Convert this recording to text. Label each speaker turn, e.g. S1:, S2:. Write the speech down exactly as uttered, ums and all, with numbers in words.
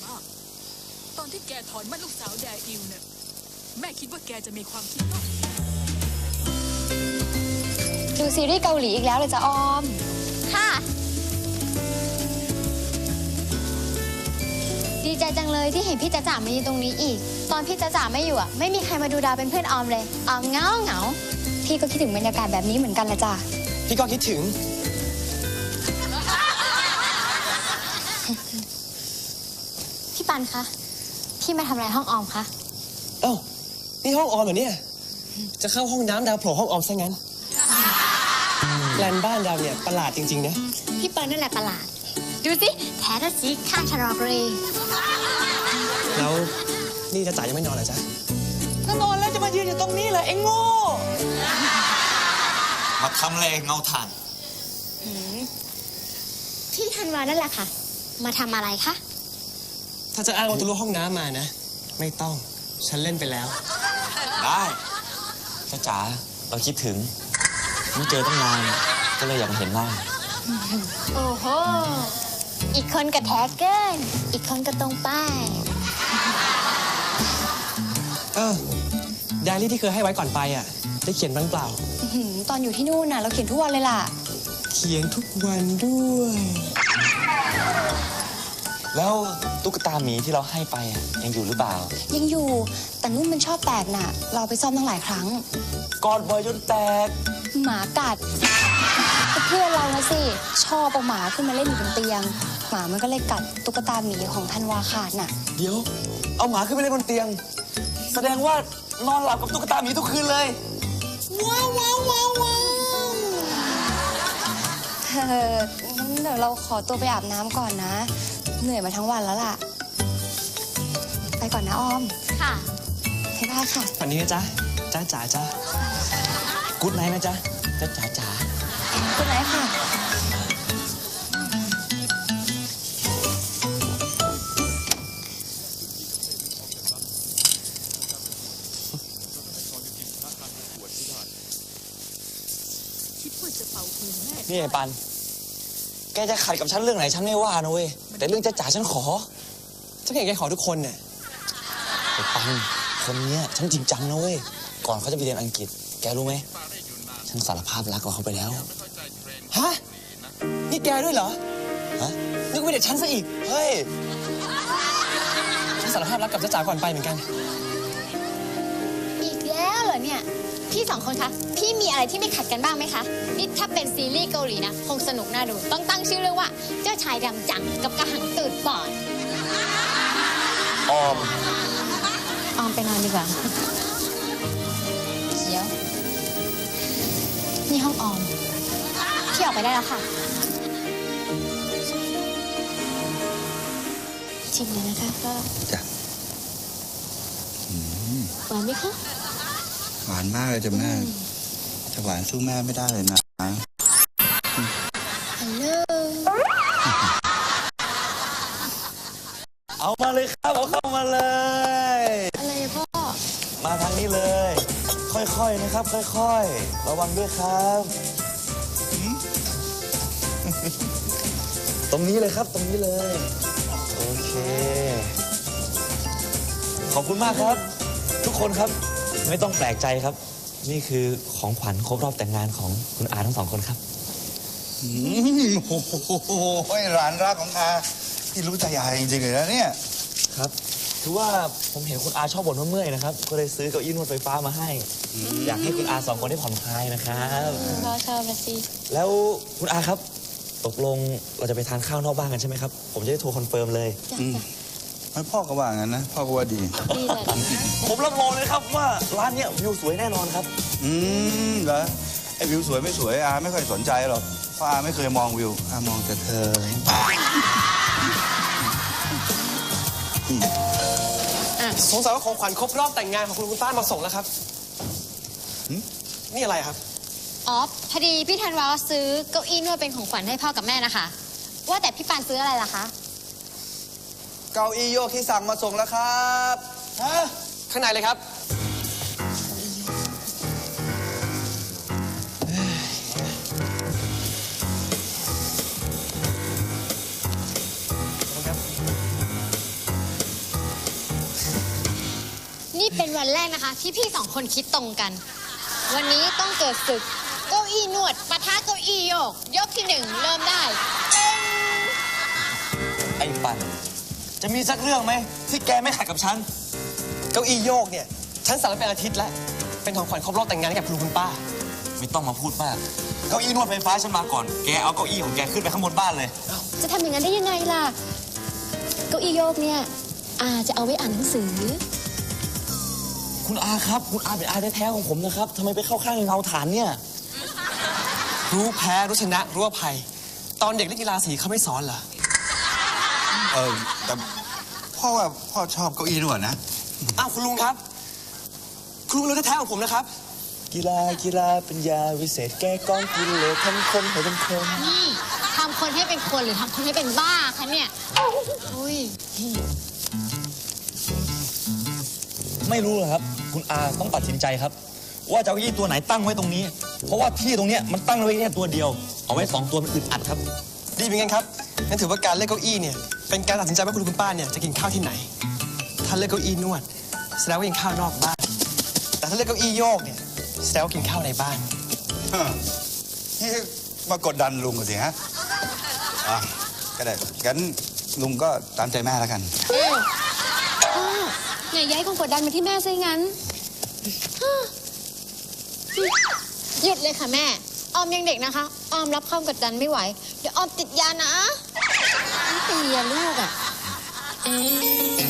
S1: ตอนที่แกถอนมั่นลูกสาวแดอิวเนี่ยแม่คิดว่าแกจะมีความคิดต่อ
S2: ดูซีรีส์เกาหลีอีกแล้วเลยจ้ะออมค่ะดีใจจังเลยที่เห็นพี่จ๊ะจ๋ามาอยู่ตรงนี้อีกตอนพี่จ๊ะจ๋าไม่อยู่อ่ะไม่มีใครมาดูดาวเป็นเพื่อนออมเลยออมเงาเหงาพี่ก็คิดถึงบรรยากาศแบบนี้เหมือนกันละจ้ะ
S3: พี่ก็คิดถึง
S2: พี่ปันคะพี่มาทำอะไรห้องออมคะ
S3: เอ้านี่ห้องออมเหรอเนี่ยจะเข้าห้องน้ำดาวโผล่ห้องออมซะงั้นแปลนบ้านดาวเนี่ยประหลาดจริงๆนะ
S2: พี่ปันนั่นแหละประหลาดดูสิแท้ทัสีข้างชะลอเกร
S3: แล้วนี่จะจ๋ายังไม่นอนเหรอจ๊ะถ้านอนแล้วจะมายืนอยู่ตรงนี้เหรอเอ็งโง่
S4: มาทำอะไรเงาถ่าน
S2: พี่ธันวานั่นแหละค่ะมาทำอะไรคะ
S3: ถ้าจะอ้างว่าทะลุห้องน้ำมานะไม่ต้องฉันเล่นไปแล้ว
S4: ได้จ้าจ๋าเราคิดถึงไม่เจอตั้งนานก็เลยอยากมาเห็นหน้า
S2: โอ้โหอีกคนกระแทกเกินอีกคนก็ตรงป้าย
S3: เออไดอารี่ที่เคยให้ไว้ก่อนไปอ่ะได้เขียนบ้างเปล่า
S2: ตอนอยู่ที่นู่นน่ะเราเขียนทุกวันเลยล่ะ
S3: เขียนทุกวันด้วย
S4: แล้วตุ๊กตาหมีที่เราให้ไปยังอยู่หรือเปล่า
S2: ยังอยู่แต่นุ่นมันชอบแตกน่ะเราไปซ่อมตั้งหลายครั้ง
S4: กอดบ่อยจนแตก
S2: หมากัดเพื่อนเรานะสิชอบเอาหมาขึ้นมาเล่นอยู่บนเตียงหมามันก็เลยกัดตุ๊กตาหมีของธันวาขาดน่ะ
S4: เดี๋ยวเอาหมาขึ้นไปเล่นบนเตียงแสดงว่านอนหลับกับตุ๊กตาหมีทุกคืนเลย
S2: ว้าวว้าวว้าวว้าวเอองั้นเดี๋ยวเราขอตัวไปอาบน้ำก่อนนะเหนื่อยมาทั้งวันแล้วล่ะไปก่อนนะออมค่ะบ๊ายบายค่ะ
S3: วันนี้นะจ๊ะจ้าจ๋าจ้า
S4: กู๊ดไนท์นะจ๊ะจ้าจ๋าจ๋า
S2: กู๊ดไนท์ค่ะ
S4: นี่ไอ้ปันแกจะขัดกับฉันเรื่องไหนฉันไม่ว่านะเว้ยแต่เรื่องจ้าจ๋าฉันขอ
S3: ฉันเห็นแกขอทุกคนเนี่ย
S4: ไอ้ปันคนเนี้ยฉันจริงจังนะเว้ยก่อนเขาจะไปเรียนอังกฤษแกรู้ไหมฉันสารภาพรักกับเขาไปแล้ว
S3: ฮะนี่แกด้วยเหรอ
S4: ฮะ
S3: นึกว่าเด็กฉันซะอีก
S4: เฮ้ย
S3: ฉันสารภาพรักกับจ้าจ๋าก่อนไปเหมือนกัน
S2: อีกแล้วเหรอเนี่ยพี่สองคนคะพี่มีอะไรที่ไม่ขัดกันบ้างไหมคะนี่ถ้าเป็นซีรีส์เกาหลีนะคงสนุกน่าดูต้องตั้งชื่อเรื่องว่าเจ้าชายดำจังกับกระหังตูดบอด
S4: ออม
S2: ออมไปนอนดีกว่าเดี๋ยวนี่ห้องออมพี่ออกไปได้แล้วค่ะชิมเลยนะคะก็
S5: จ้ะ
S2: หวานไหมคะ
S5: หวานมากเลยจ้ะแม่จะหวานสู้แม่ไม่ได้เลยนะ
S2: ฮัลโหล
S4: เอามาเลยครับเอาเข้ามาเลย
S2: อะไรพ่อ
S4: มาทางนี้เลยค่อยๆนะครับค่อยๆระวังด้วยครับตรงนี้เลยครับตรงนี้เลยโอเคขอบคุณมากครับทุกคนครับไม่ต้องแปลกใจครับนี่คือของขวัญครบรอบแต่งงานของคุณอาทั้งสองคนครับ
S5: โอ้โหหลานรักของอาที่รู้ใจอาจริงๆเลยนะเนี่ย
S4: ครับคือว่าผมเห็นคุณอาชอบบ่นว่าเมื่อยนะครับก็เลยซื้อเก้าอี้นวดไฟฟ้ามาให้อยากให้คุณอาสองคนได้ผ่อนคลายนะครับ
S2: พ่อชอบนะสิ
S4: แล้วคุณอาครับตกลงเราจะไปทานข้าวนอกบ้านกันใช่ไหมครับผมจะได้โทรคอนเฟิร์มเลย
S5: ไม่พ่อก็ว่างั้นนะพ่อก็ว่าดี
S4: ผมรับรองเลยครับว่าร้านเนี้ยวิวสวยแน่นอนครับ
S5: อืมเหรอไอ้วิวสวยไม่สวยอาไม่ค่อยสนใจหรอกเพราะอาไม่เคยมองวิวอามองแต่เธอ
S3: สงสัยว่าของขวัญครบรอบแต่งงานของคุณคุณป้ามาส่งแล้วครับนี่อะไรครับ
S2: อ๋อพอดีพี่ธันวาซื้อเก้าอี้นวดเป็นของขวัญให้พ่อกับแม่นะคะว่าแต่พี่ปานซื้ออะไรล่ะคะ
S5: เก้าอี้โยกที่สั่งมาส่งแล้วครับ
S3: ฮะข้างในเลยครับ
S2: วันแรกนะคะ ที่พี่สองคนคิดตรงกัน วันนี้ต้องเกิดศึกเก้าอี้นวดปะทะเก้าอี้โยก ยกที่หนึ่งเริ่มได้
S4: ไอ้ปันจะมีสักเรื่องไหมที่แกไม่ขัดกับฉัน
S3: เก้าอี้โยกเนี่ย ฉันสั่งไว้เป็นอาทิตย์แล้ว เป็นของขวัญครบรอบแต่งงานให้กับคุณลุงคุณป้า
S4: ไม่ต้องมาพูดมาก เก้าอี้นวดไฟฟ้าฉันมาก่อน แกเอาเก้าอี้ของแกขึ้นไปข้างบนบ้านเลย
S6: จะทำอย่างนั้นได้ยังไงล่ะ เก้าอี้โยกเนี่ยอาจะเอาไว้อ่านหนังสือ
S4: คุณอาครับ คุณอาเป็นอาแท้ๆของผมนะครับทำไมไปเข้าข้างเงาฐานเนี่ย
S3: รู้แพ้รู้ชนะรู้อภัย ตอนเด็กเล่นกีฬาสีเขาไม่สอนเหรอ
S5: เออแต่พ่อว่าพ่อชอบเก้าอี้นวดนะ
S3: อ้าวคุณลุงครับ คุณลุงรู้แท้ๆของผมนะครับ
S4: กีฬากีฬาเป็นยาวิเศษแก้กล้องกินเลยทำคนให้เป็นคน
S2: นี่ทำคนให้เป็นคนหรือทำคนให้เป็นบ้าคะเนี่ยอุ้ย
S4: ไม่รู้เหรอครับ คุณอาต้องตัดสินใจครับ ว่าจะเอาเก้าอี้ตัวไหนตั้งไว้ตรงนี้ เพราะว่าที่ตรงเนี้ยมันตั้งไว้แค่ตัวเดียว เอาไว้สองตัวมันอึดอัดครับ
S3: ดีเหมือนกันครับงั้นถือว่าการเลือกเก้าอี้เนี่ย เป็นการตัดสินใจว่าคุณลุงคุณป้าเนี่ยจะกินข้าวที่ไหน ถ้าเลือกเก้าอี้นวดแสดงว่ากินข้าวนอกบ้าน แต่ถ้าเลือกเก้าอี้โยกเนี่ยแสดงว่ากินข้าวในบ้าน
S5: นี่มากดดันลุงกันสิฮะอ่ะก็ได้งั้นลุงก็ตามใจแม่แล้วกัน
S6: อ้าวไงย้ายความกดดันมาที่แม่ซะงั้น
S2: หยุดเลยค่ะแม่ ออมยังเด็กนะคะ ออมรับความกดดันไม่ไหว เดี๋ยวออมติดยานะ
S6: ไม่ตีอะลูกอะ
S2: อ